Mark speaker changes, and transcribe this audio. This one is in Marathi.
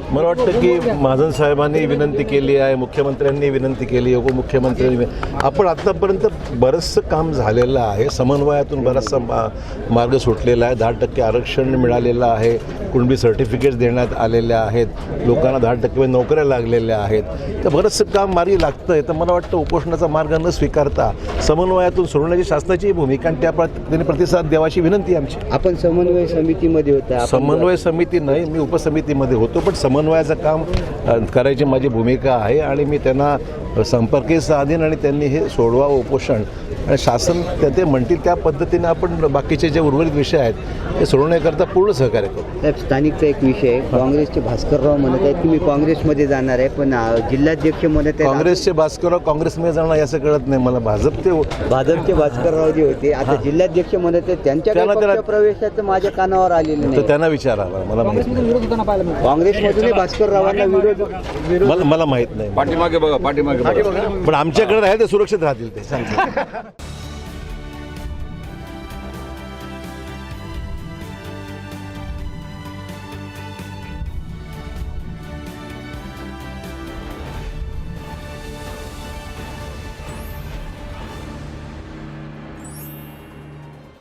Speaker 1: मला वाटतं की महाजन साहेबांनी विनंती केली आहे, मुख्यमंत्र्यांनी विनंती केली, उपमुख्यमंत्र्यांनी आपण आत्तापर्यंत बरंचसं काम झालेलं आहे. समन्वयातून बराचसा मार्ग सुटलेला आहे. 10% आरक्षण मिळालेलं आहे. कुणबी सर्टिफिकेट्स देण्यात आलेल्या आहेत. लोकांना 10% नोकऱ्या लागलेल्या आहेत. तर बरंचसं काम मार्गी लागतं आहे. तर मला वाटतं उपोषणाचा मार्ग न स्वीकारता समन्वयातून सोडण्याची शासनाची भूमिका आणि त्या त्यांनी प्रतिसाद द्यावाची विनंती आमची.
Speaker 2: आपण समन्वय समितीमध्ये होता.
Speaker 1: समन्वय समिती नाही, मी उपसमितीमध्ये होतो, पण समन्वयाचं काम करायची माझी भूमिका आहे आणि मी त्यांना संपर्कही साधीन आणि त्यांनी हे सोडवा उपोषण आणि शासन ते म्हणतील त्या पद्धतीने आपण बाकीचे जे उर्वरित विषय आहेत ते सोडवण्याकरता पूर्ण सहकार्य करू.
Speaker 2: साहेब, स्थानिकचा एक विषय आहे. काँग्रेसचे भास्करराव म्हणत आहेत की मी काँग्रेसमध्ये जाणार आहे, पण जिल्हाध्यक्ष म्हणत आहेत
Speaker 1: काँग्रेसचे भास्करराव काँग्रेसमध्ये जाणार याचं कळत नाही मला.
Speaker 2: भाजपचे भास्करराव जे होते आता जिल्हाध्यक्ष म्हणत आहेत त्यांच्या प्रवेशाचं माझ्या कानावर आलेलं
Speaker 1: तर
Speaker 2: नाही.
Speaker 1: त्यांना विचारा मला
Speaker 2: काँग्रेसमधूनही भास्कररावांना विरोध
Speaker 1: मला माहित नाही.
Speaker 3: पाठीमागे बघा, पाठीमागे
Speaker 1: पण आमच्याकडे राहील ते सुरक्षित राहतील ते सांगतो.